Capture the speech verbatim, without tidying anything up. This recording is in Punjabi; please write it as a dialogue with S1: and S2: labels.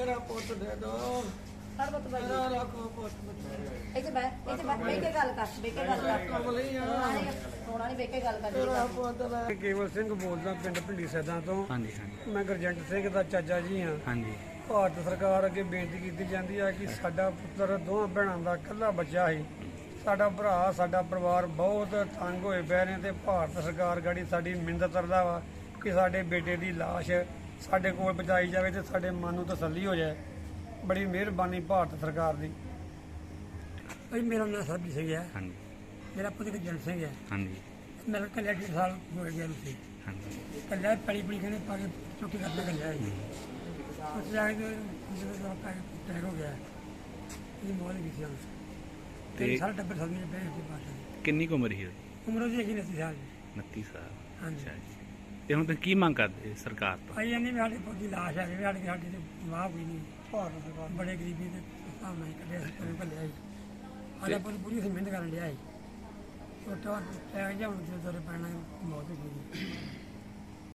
S1: ਮੇਰਾ ਪੁੱਤ ਦੇ ਦੋ
S2: ਹਰ ਵਕਤ ਬਾਈ
S1: ਮੇਰਾ ਰੱਖੋ ਪੁੱਤ
S2: ਇੱਥੇ ਬੈ ਇੱਥੇ ਬੈ ਬੈ ਕੇ ਗੱਲ ਕਰ ਬੈ ਕੇ ਗੱਲ ਕਰ
S1: ਕਮਲੀ ਆ
S2: ਸੋਣਾ ਨਹੀਂ ਬੈ ਕੇ ਗੱਲ ਕਰ
S1: ਮੇਰਾ ਪੁੱਤ ਲੈ ਕੇਵਲ ਸਿੰਘ ਬੋਲਦਾ ਪਿੰਡ ਭਿੰਡੀ ਸੈਦਾਂ ਤੋਂ
S3: ਹਾਂਜੀ ਹਾਂਜੀ
S1: ਮੈਂ ਗੁਰਜੰਟ ਸਿੰਘ ਦਾ ਚਾਚਾ ਜੀ ਹਾਂ।
S3: ਹਾਂਜੀ
S1: ਭਾਰਤ ਸਰਕਾਰ ਅੱਗੇ ਬੇਨਤੀ ਕੀਤੀ ਜਾਂਦੀ ਹੈ ਕਿ ਸਾਡਾ ਪੁੱਤਰ ਦੋਹਾਂ ਭੈਣਾਂ ਦਾ ਇਕੱਲਾ ਬੱਚਾ ਸੀ। ਸਾਡਾ ਭਰਾ ਸਾਡਾ ਪਰਿਵਾਰ ਬਹੁਤ ਤੰਗ ਹੋਏ ਪਏ ਨੇ ਤੇ ਭਾਰਤ ਸਰਕਾਰ ਗਾੜੀ ਸਾਡੀ ਮਿੰਨਤ ਕਰਦਾ ਵਾ ਕਿ ਸਾਡੇ ਬੇਟੇ ਦੀ ਲਾਸ਼ ਸਾਡੇ ਕੋਲ ਪਹੁੰਚਾਈ ਜਾਵੇ ਤੇ ਸਾਡੇ ਮਨ ਨੂੰ ਤਸੱਲੀ ਹੋ ਜਾਏ। ਬੜੀ ਮਿਹਰਬਾਨੀ ਭਾਰਤ ਸਰਕਾਰ ਦੀ।
S4: ਭਾਈ ਮੇਰਾ ਨਾਮ ਸਰਬਜੀਤ ਸਿੰਘ ਹੈ।
S3: ਹਾਂਜੀ
S4: ਮੇਰਾ ਪੁੱਤ ਗੁਰਜੰਟ ਸਿੰਘ ਹੈ।
S3: ਹਾਂਜੀ
S4: ਮੇਰਾ ਕੱਲਿਆ ਡੇਢ ਸਾਲ ਹੋ ਗਿਆ ਉਸੇ
S3: ਹਾਂਜੀ
S4: ਕੱਲਿਆ ਪੜੀ ਪੜੀ ਕਹਿੰਦੇ ਪਾ ਕੇ ਚੁੱਕੀ ਕਰਦੇ ਕੱਲਿਆ ਜੀ ਉਸ ਜਾ ਕੇ ਜਦੋਂ ਦਾ ਪਾ ਟੈਗ ਹੋ ਗਿਆ ਇਹ ਮੋਲ ਵੀ ਸੀ ਉਸ
S3: ਤੇ
S4: ਤੇ ਸਾਰਾ ਟੱਬਰ ਸਾਹਮਣੇ ਬੈਠ ਕੇ ਬਾਤ
S3: ਕਿੰਨੀ ਕੁ ਉਮਰ ਸੀ ਉਹਦੀ?
S4: ਉਮਰ ਉਹਦੀ ਹੈਗੀ ਨਹੀਂ ਸਾਲ
S3: ਉਨੱਤੀ ਸਾਲ।
S4: ਹਾਂਜੀ।
S3: ਅੱਛਾ ਜੀ। ਤੇ ਹੁਣ ਤੁਸੀਂ ਕੀ ਮੰਗ ਕਰਦੇ ਸਰਕਾਰ ਤੋਂ?
S4: ਭਾਈ ਇਹਨੇ ਵੀ ਸਾਡੇ ਪੁੱਤ ਦੀ ਲਾਸ਼ ਹੈ ਵੀ ਸਾਡੇ ਸਾਡੇ ਤੇ ਵਾਹ ਕੋਈ ਨਹੀਂ
S1: ਭਾਰਤ ਸਰਕਾਰ
S4: ਬੜੇ ਗਰੀਬੀ ਦੇ ਹਿਸਾਬ ਨਾਲ ਕੱਢਿਆ ਸੀ ਪਰ ਕੱਲਿਆ ਜੀ ਸਾਡਾ ਪੁੱਤ ਪੂਰੀ ਮਿਹਨਤ ਕਰਨ ਲਿਆ ਸੀ ਛੋਟਾ ਟੈਗ ਜਾਂ ਹੁਣ ਦੋਰੇ ਪੈਣਾ ਮੌਤ ਹੋ ਗਈ